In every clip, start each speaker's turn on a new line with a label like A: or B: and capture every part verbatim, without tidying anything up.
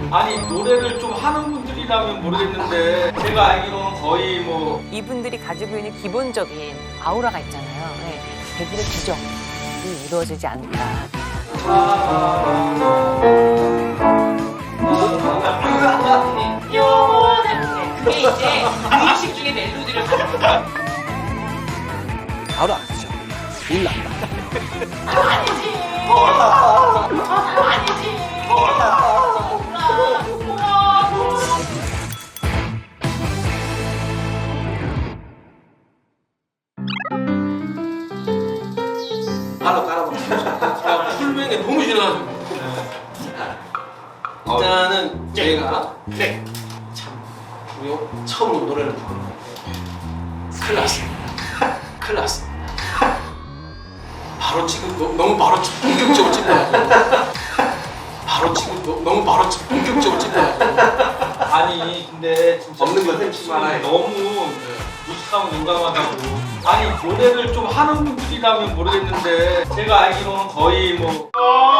A: 아니 노래를 좀 하는 분들이라면 모르겠는데 제가 알기로는 거의 뭐
B: 이분들이 가지고 있는 기본적인 아우라가 있잖아요. 네. 백일의 기적이 이루어지지 않을까.
C: 그게 이제 의식 중에 멜로디를 가는 거야.
D: 바로 알았죠. 일났다.
C: 아니지. 아니지.
D: 바로 깔아봐. 제가 풀뱅에 너무 싫어가지고. 일단은 저희가
E: 네.
D: 참 우리 처음 노래를 부르는 큰일 났습니다. 큰일 났습니다. 바로 지금 너, 너무 바로 본격적으로 찍어가지고 바로 지금 너, 너무 바로 본격적으로 찍어가지고
A: 아니 근데 진짜
D: 없는 건 셈치만
A: 너무 무식하고 용감하다고. 아니 노래를 좀 하는 분들이라면 모르겠는데 제가 알기로는 거의 뭐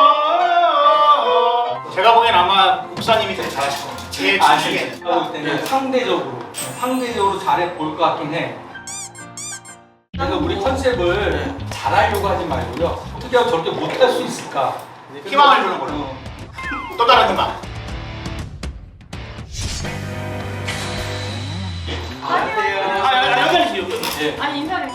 E: 제가 보기엔 아마 목사님이 되게 잘하실 것 같아요. 제
A: 아니
E: 주식에는.
A: 제가 볼 때는 상대적으로 상대적으로 잘해 볼 것 같긴 해. 그래서 우리 컨셉을 잘하려고 하지 말고요. 어떻게 하면 저렇게 못할 수 있을까?
E: 희망을 주는 걸로.
A: 어.
E: 또 다른 음악.
A: 안녕하세요.
E: 아, 아, 여전히 여전히.
A: 예.
C: 아니 인사를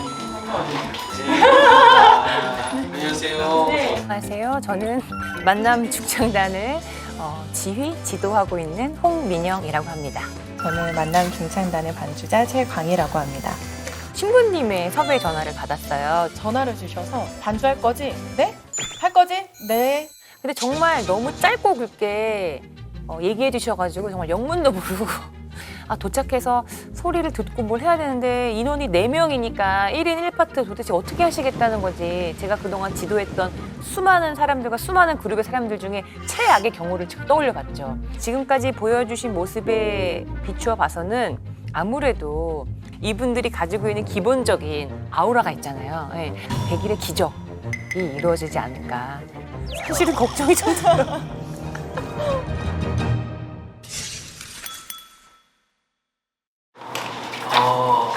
D: 안녕하세요.
C: 네.
B: 안녕하세요. 저는 만남 중창단을 어, 지휘, 지도하고 있는 홍민영이라고 합니다.
F: 저는 만남 중창단의 반주자 최광희라고 합니다.
B: 신부님의 섭외 전화를 받았어요.
F: 전화를 주셔서 반주할 거지? 네? 할 거지? 네.
B: 근데 정말 너무 짧고 굵게 어, 얘기해 주셔가지고 정말 영문도 모르고 아, 도착해서 소리를 듣고 뭘 해야 되는데 인원이 네 명이니까 일 인 일 파트 도대체 어떻게 하시겠다는 거지. 제가 그동안 지도했던 수많은 사람들과 수많은 그룹의 사람들 중에 최악의 경우를 지금 떠올려 봤죠. 지금까지 보여주신 모습에 비추어 봐서는 아무래도 이분들이 가지고 있는 기본적인 아우라가 있잖아요. 네. 백일의 기적이 이루어지지 않을까. 사실은 걱정이 좀 들어요.
D: 어,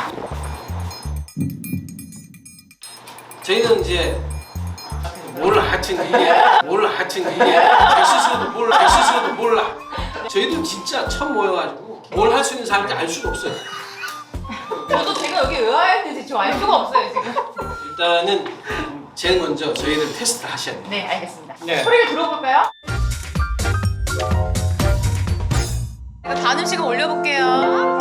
D: 저희는 이제 몰라 하여튼 이게 몰라 하여튼 이게 제 스스로도 몰라 제 스스로도 몰라. 저희도 진짜 처음 모여가지고 뭘 할 수 있는 사람인지 알 수가 없어요.
C: 저도 제가 여기 왜 와야 했는지 좀 알 수가 없어요 지금.
D: 일단은 제일 먼저 저희를 테스트 하셔야 돼요.
C: 네 알겠습니다.
A: 네.
C: 소리를 들어볼까요? 이거 반음씩을 올려볼게요.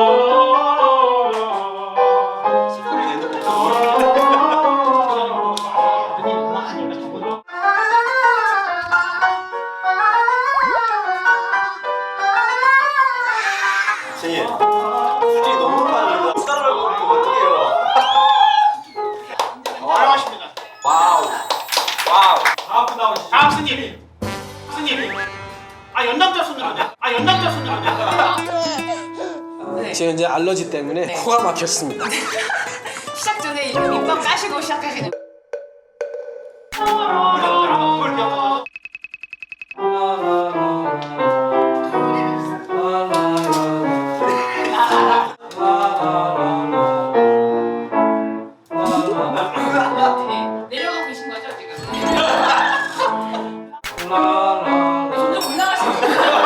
E: 선생님, 수준이 너무 높아요. 수다를 부리면 어떡해요? 훌륭하십니다.
A: 와우. 와우. 다음 나오시죠.
E: 다음 스님. 스님. 아 연남자 손으로 돼. 아 연남자 손으로 돼.
C: 네.
D: 제가 이제 알러지 때문에
C: 네.
D: 코가 막혔습니다.
C: 시작 전에 이렇게 밑밥 까시고 시작하시는. 네. 내려가고 계신 거죠 지금? 점점 올라가시는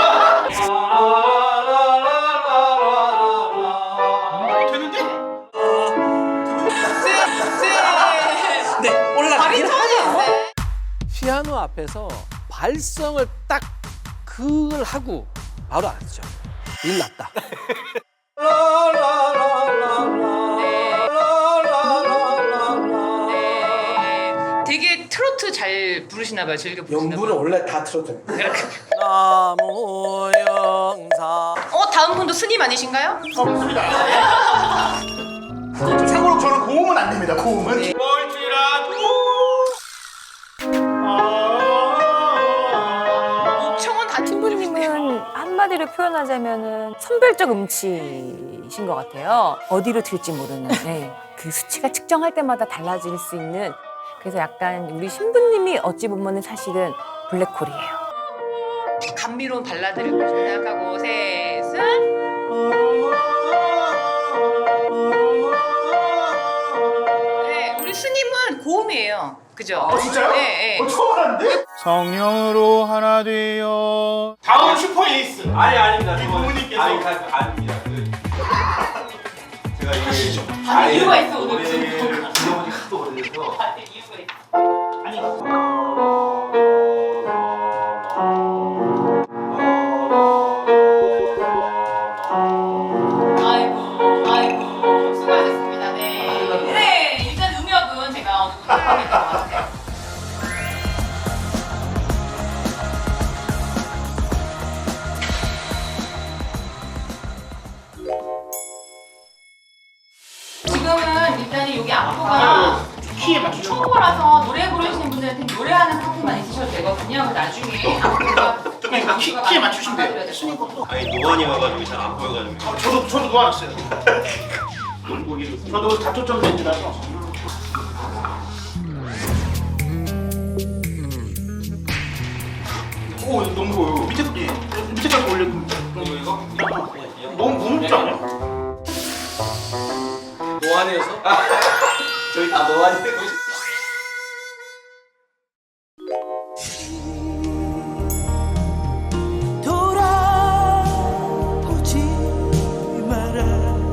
E: 되는데?
D: 네, 올라가.
C: 바리톤이었어요.
D: 피아노 앞에서 발성을 딱 그걸 하고 바로 알았죠. 일 났다.
C: 되게 트로트 잘 부르시나 봐요. 즐겨 부르시나
D: 연부는
C: 봐요.
D: 원래 다 틀어줍니다. 나무 영사.
C: 어 다음 분도 스님 아니신가요?
E: 없습니다. 참고로 저는 고음은 안 됩니다. 고음은. 뭘지라도.
C: 목청은 다
B: 신부님은 한마디로 표현하자면은 선별적 음치신 것 같아요. 어디로 튈지 모르는. 네. 그 수치가 측정할 때마다 달라질 수 있는. 그래서 약간 우리 신부님이 어찌 보면은 사실은 블랙홀이에요. 감미로운 발라드를 부르시고 생각하고 셋은 네, 우리 스님은 고음이에요. 그죠?
E: 어, 진짜요?
B: 네, 네.
E: 어, 처음 알았는데?
G: 성령으로 하나 되어
E: 다음 슈퍼 에이스.
A: 아니 아닙니다.
E: 이
A: 저는-
E: 부모님께서-
A: 아니 다- 아닙니다. 그- 제가 이게
B: 다들 이유가 있어, 오늘
A: 노래를 불러본 지 하도 오래돼서
B: 다들 이유가 있어.
E: 아니,
B: 아이고, 아이고, 수고하셨습니다. 네. 네, 일단 음역은 제가 어느 정도 해드릴 것 같아요. 지금은 일단은 여기 악보가
E: 키에 맞추죠.
B: 초보라서 노래 부르시는 분들한테 노래하는 파트만 있으셔도 되거든요. 그 나중에 악보가
E: 그냥 키, 키에 맞추시면 돼요.
B: 스님 것도.
H: 아니 노안이 와가지고 잘 안 보여가지고
E: 어, 저도, 저도 놓아놨어요. 저도 다초점 렌즈라서. 오, 너무 보여. 밑에, 예, 밑에까지 올려. 이거, 이거? 너무 무겁지 않아요?
D: 노안에서
A: 저희 다 노안이 되고
I: 돌아오지 마라.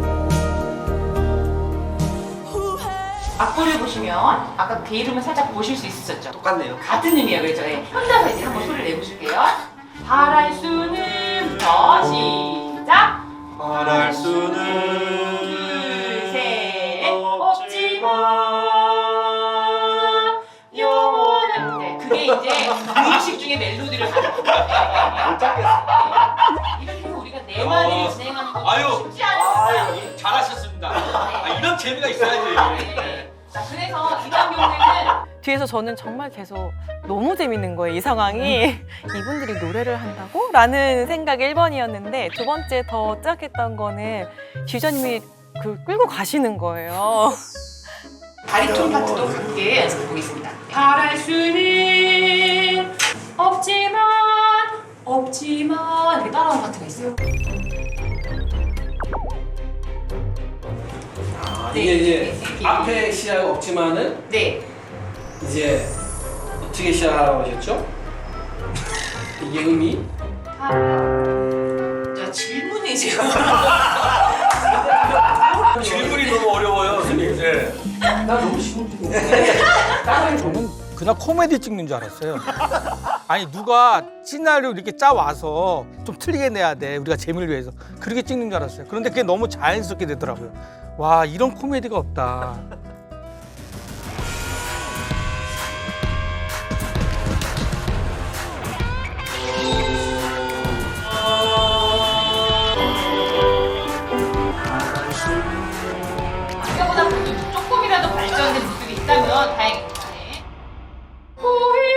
B: 악보를 보시면 아까 그 이름을 살짝 보실 수 있었죠.
A: 똑같네요.
B: 같은 의미예요, 그렇죠? 네. 혼자서 이제 한번 소리를 내보실게요. 바랄 수는부터 시작.
H: 말할 수는
B: 둘, 셋, 없지만 영원한. 네, 그게 이제 의식 중에 멜로디를 가는 거예요.
A: 못 잡겠어.
B: 이렇게 해서 우리가 네 마디를 진행하는 거
A: 아유.
B: 쉽지 않습니다.
A: 아유, 잘하셨습니다. 아, 이런 재미가 있어야지.
B: 네. 자, 그래서 이번 경우에는
J: 뒤에서 저는 정말 계속 너무 재밌는 거예요, 이 상황이. 이분들이 노래를 한다고? 라는 생각이 일 번이었는데 두 번째 더 짝했던 거는 지휘자님이 그 끌고 가시는 거예요.
B: 바리톤 파트도 함께 연습해 보겠습니다. 바랄 수는 없지만 없지만 이렇게 따라오는 파트가 있어요.
D: 아,
B: 네,
D: 이게 이제
B: 네, 네.
D: 앞에 시야가 없지만은
B: 네.
D: 이제 어떻게 시작하라고 하셨죠? 이게 의미?
B: 아, 저 질문이 지금
A: 질문이 너무 어려워요, 선생님. 네.
D: 나 너무 쉬운데.
G: 저는 그냥 코미디 찍는 줄 알았어요. 아니 누가 시나리오 이렇게 짜 와서 좀 틀리게 내야 돼, 우리가 재미를 위해서 그렇게 찍는 줄 알았어요. 그런데 그게 너무 자연스럽게 되더라고요. 와, 이런 코미디가 없다.
B: 아까보다 그래도 조금이라도 발전된 모습이 있다면 다행입니다. 네. 후회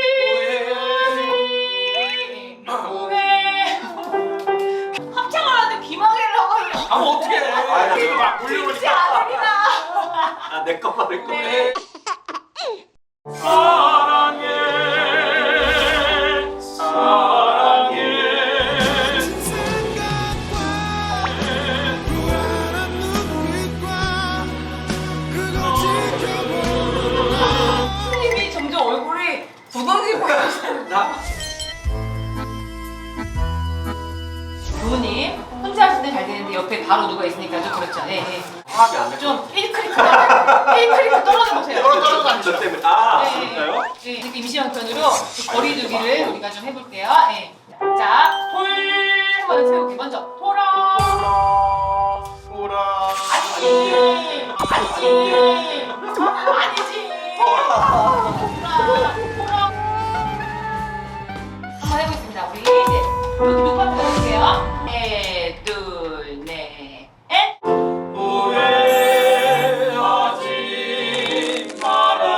B: 후회 합창을 하는데 비망해를 하고 있는
A: 아, 어떻게 해?
E: 아, 이거 막
B: 그렇지
E: 올려보니까.
B: 않습니다.
A: 아, 내 것만 내 것만.
B: 네.
E: 사랑해, 사랑해.
B: 선생님이 점점 얼굴이 굳어지고 계십니다. 부모님 혼자 하실 때 잘 되는데 옆에 바로 누가 있으니까 좀 그렇죠. 네, 네.
A: 화합이 안 돼.
B: 좀 힐크리크 힐크리크 떨어져 보세요.
E: 떨어져 가는
A: 저 때문에. 아,
B: 네,
A: 진짜요?
B: 네, 이렇게 임시형편으로 거리두기를 우리가 좀 해볼게요. 네. 자, 돌 한번 세우기 먼저 돌아.
E: 돌아.
B: 아니지, 아니지, 아니지. 돌아, 돌아. 한번 해보겠습니다. 우리 이제 룩 파트 해볼게요. 네, 둘, 넷, 넷.
A: 후회하지 마라.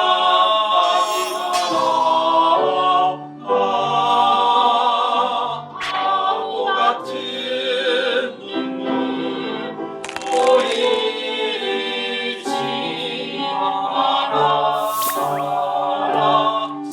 A: 바보 같은 눈물 보이지 마라.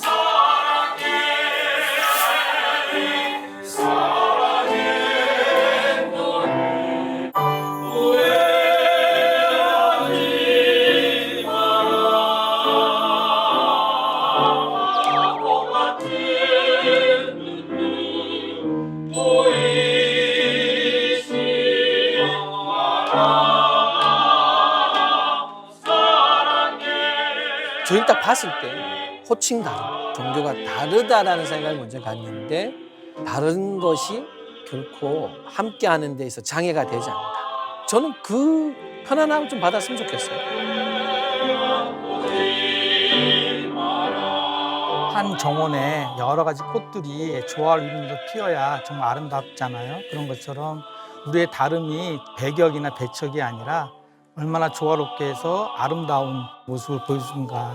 K: 저희 딱 봤을 때 호칭 다름, 종교가 다르다라는 생각을 먼저 갖는데 다른 것이 결코 함께하는 데 있어 장애가 되지 않는다. 저는 그 편안함을 좀 받았으면 좋겠어요.
G: 한 정원에 여러 가지 꽃들이 조화를 이루면서 피어야 정말 아름답잖아요. 그런 것처럼 우리의 다름이 배격이나 배척이 아니라 얼마나 조화롭게 해서 아름다운 모습을 보여주는가.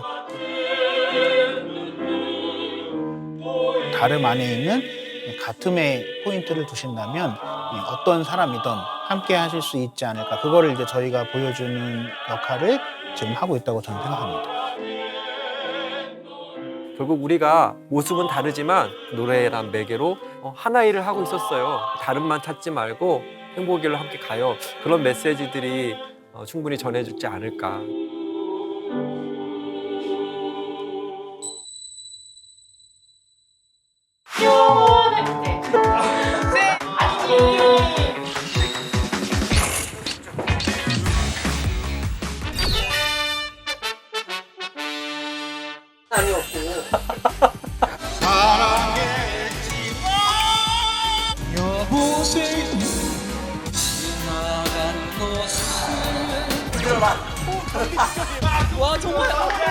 L: 다름 안에 있는 같음의 포인트를 두신다면 어떤 사람이든 함께 하실 수 있지 않을까. 그거를 이제 저희가 보여주는 역할을 지금 하고 있다고 저는 생각합니다.
M: 결국 우리가 모습은 다르지만 노래란 매개로 하나 일을 하고 있었어요. 다름만 찾지 말고 행복의 길로 함께 가요. 그런 메시지들이 충분히 전해주지 않을까.
J: 와 정말